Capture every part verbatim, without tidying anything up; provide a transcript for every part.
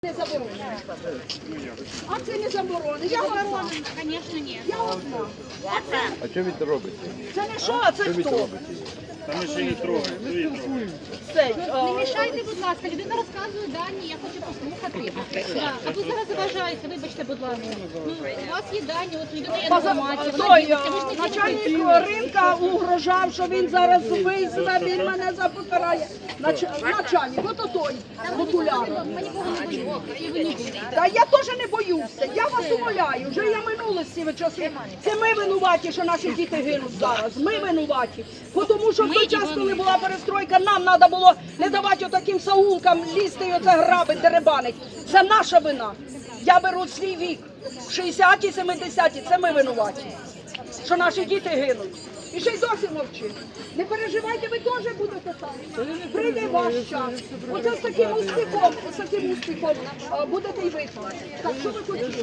Не заборонено. А це не заборонено. Я одна. Звісно, ні. Я одна. А що ви це робите? Це не що, а це Що ви це хто? робите? Та ми ще не трогаємо. Цей, Не о, мішайте, будь ласка, людина розказує дані, я хочу послухати. Да. А ви зараз заважаєте, вибачте, будь ласка. Ну, у вас є дані, от людина є поза- інформація, вона той, ділиться, ви ж не начальник ділитесь. ринка угрожав, що він зараз визве, він мене запокарає. Нач- Начальник, ото той, окуляр. Ми нікого не боїмо, і ви не боїтесь. Та я теж не боюся, я вас умоляю, вже я минула з цими часи. Це ми винуваті, що наші діти гинуть зараз, ми винуваті. Бо Тому що в той час, коли була перестройка, нам треба було не давати отаким саулкам лізти і оце грабить, деребанить. Це наша вина. Я беру свій вік, шістдесяті, семидесяті, це ми винуваті, що наші діти гинуть. І ще й досі мовчить. Не переживайте, ви теж будете там. Прийде ваш час. Оце з таким успіхом, з таким успіхом а, будете й ви там. Так, що ви хотіли?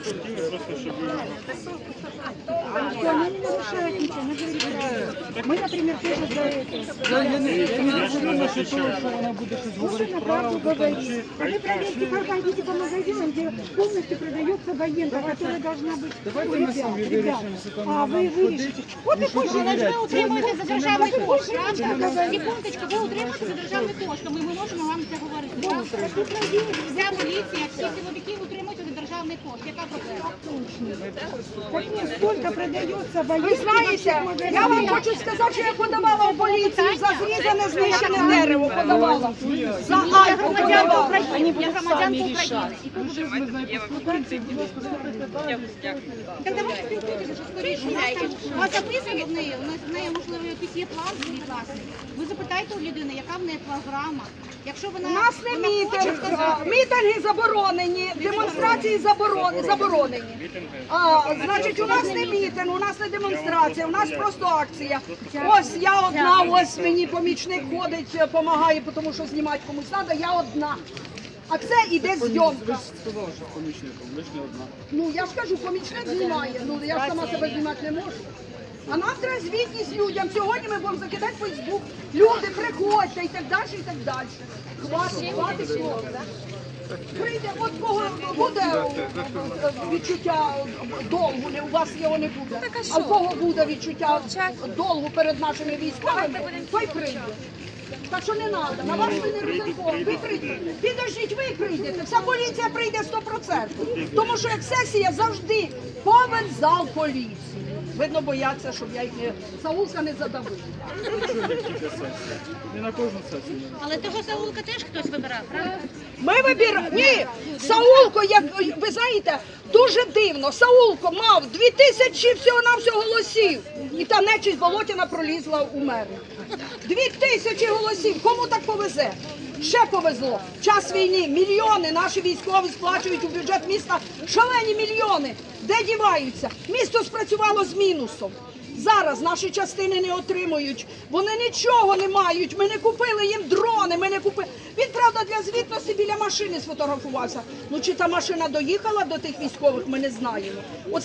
Они не нарушают ничего, мы же решаем. Мы, например, тоже за это. Я ж не захищаю. Слушай, на правду говорит. А вы проверьте, как идите по магазинам, где полностью продается военка, которая должна быть у ребят, ребят. А вы вырежете. Вот и пусть Але ж ви утримуєте за державний кошт, Пусть правда? говорить. Секундочку, ви утримуєте за державний кошт, тому ми можемо вам це говорити. правда? Вся поліція, всі силовики утримуються за державний кошт. Яка проблема? Так нет, сколько продается Ви военка. знаєте, я вам хочу сказати, що я подавала в поліцію за зрізане, знищене дерево, подавала. За Альпу подавала. Я громадянка України. І тут уже Так давайте спілкуйтеся, що скоріше. У нас там у вас записано в неї, у нас в неї, можливо, якийсь є план свій власний. Ви запитайте у людини, яка в неї програма. Якщо вона У нас не вона хоче мітинг, сказати, мітинги заборонені, демонстрації заборонені. заборонені. А, значить, у нас не мітинг, у нас не демонстрація, у нас просто акція. Ось я одна, ось мені помічник ходить, допомагає, тому що знімати комусь треба, я одна. А це іде зйомка. Сказали, що з помічником, ви ж не одна. Ну, я ж кажу, помічник знімає, ну я ж сама себе знімати не можу. А нам треба звітність людям. Сьогодні ми будемо закидати в Фейсбук. Люди, приходьте і так далі, і так далі. Хватить, хватить слова. Прийде, от кого буде е, відчуття долгу, не у вас його не буде. А в кого буде відчуття долгу перед нашими військовими, той прийде. Так що не треба, на ваш не розраховуємо. Ви прийдете. Підождіть, ви прийдете. Вся поліція прийде сто відсотків. Тому що як сесія завжди повен зал поліції. Видно, бояться, щоб я їх не Саулка не задавила. Не на кожну сесію. але того Саулка теж хтось вибирав, правда? Ми вибираємо. Ні, Саулко, як ви знаєте, дуже дивно. Саулко мав дві тисячі всього-навсього голосів. І та нечість Болотіна пролізла у мери. Дві тисячі голосів. Кому так повезе? Ще повезло. Час війни. Мільйони наші військові сплачують у бюджет міста шалені мільйони. Де діваються? Місто спрацювало з мінусом. Зараз наші частини не отримують, вони нічого не мають, ми не купили їм дрони, ми не купили. Він, правда, для звітності біля машини сфотографувався. Ну чи та машина доїхала до тих військових, ми не знаємо. Оце